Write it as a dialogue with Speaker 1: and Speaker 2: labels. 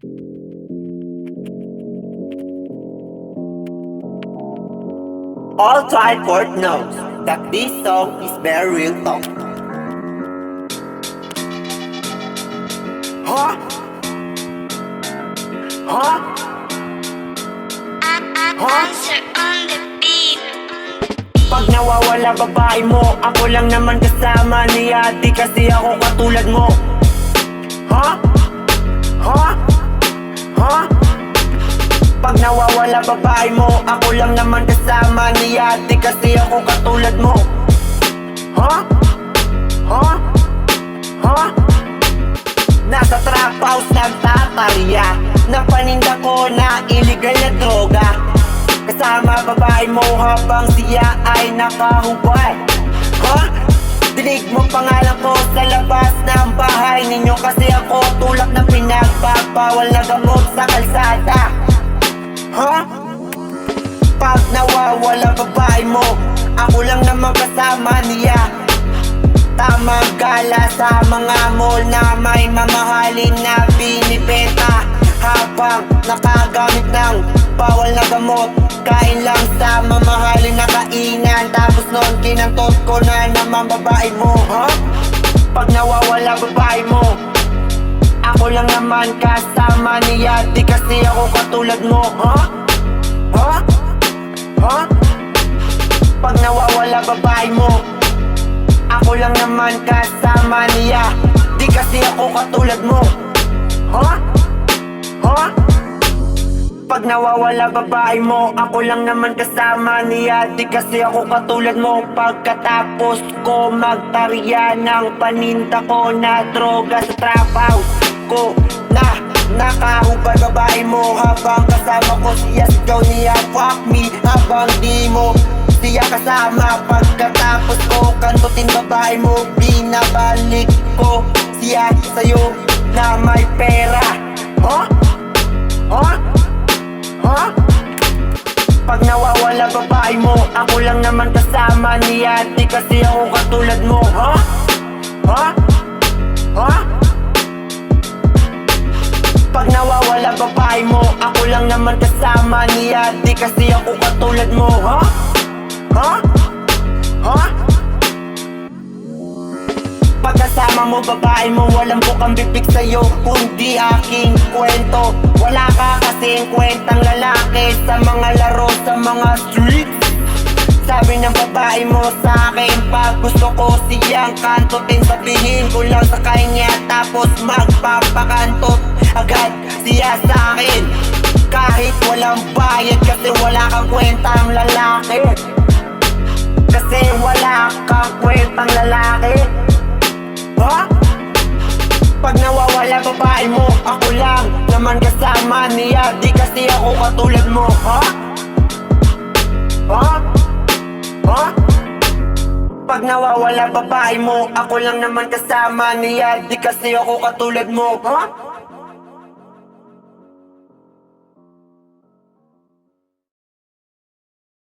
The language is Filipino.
Speaker 1: All Triport knows that this song is very real talk. Huh? Huh?
Speaker 2: Answer on the beat.
Speaker 1: Pag nawawala babae mo, ako lang naman kasama niya. Di kasi ako katulad mo. Huh? Huh? Huh? Pag nawawala babae mo, ako lang naman kasama niya. Di kasi ako katulad mo. Huh? Huh? Huh? Nasa trap house nagtatarya ng paninda ko na illegal na droga. Kasama babae mo habang siya ay nakahubad. Huh? Dinig mo pangalan ko sa labas ng bahay ninyo. Kasi ako tulak na pinagbabawal na gamot sa kalsada. Huh? Pag nawawala babae mo, ako lang naman kasama niya. Tamang gala sa mga mall na may mamahalin na binibenta. Habang nakagamit ng bawal na gamot, kain lang sa mamahalin na kainan. Tapos noon kinantot ko na naman babae mo. Huh? Pag nawawala babae mo, ako lang naman kasama niya. Di kasi ako katulad mo. Huh? Huh? Huh? Pag nawawala babae mo, ako lang naman kasama niya. Di kasi ako katulad mo. Huh? Huh? Pag nawawala babae mo, ako lang naman kasama niya. Di kasi ako katulad mo. Pagkatapos ko magtarya ng paninda ko na droga sa trap house ko na nakahubad babae mo. Habang kasama ko siya, sigaw niya fuck me. Habang di mo siya kasama, pagkatapos ko kantutin babae mo, binabalik ko siya sa'yo na may pera. Huh? Huh? Huh? Pag nawawala babae mo, ako lang naman kasama niya. Di kasi ako katulad mo. Huh? Huh? Huh? Pag nawawala babae mo, ako lang naman kasama niya. Di kasi ako katulad mo. Huh? Huh? Huh? Pagkasama mo babae mo, walang bukang bibig sa'yo kundi aking kwento. Wala ka kasing kwentang lalaki sa mga laro sa mga streets. Sabi ng babae mo sa'kin, pag gusto ko siyang kantutin, sabihin ko lang sa kanya, tapos magpapakantot agad siya sa'kin. Kahit walang bayad kasi wala kang kwentang lalaki. Kasi wala kang kwentang lalaki. Huh? Pag nawawala babae mo, ako lang naman kasama niya. Di kasi ako katulad mo. Huh? Huh? Huh? Pag nawawala babae mo, ako lang naman kasama niya. Di kasi ako katulad mo. Huh?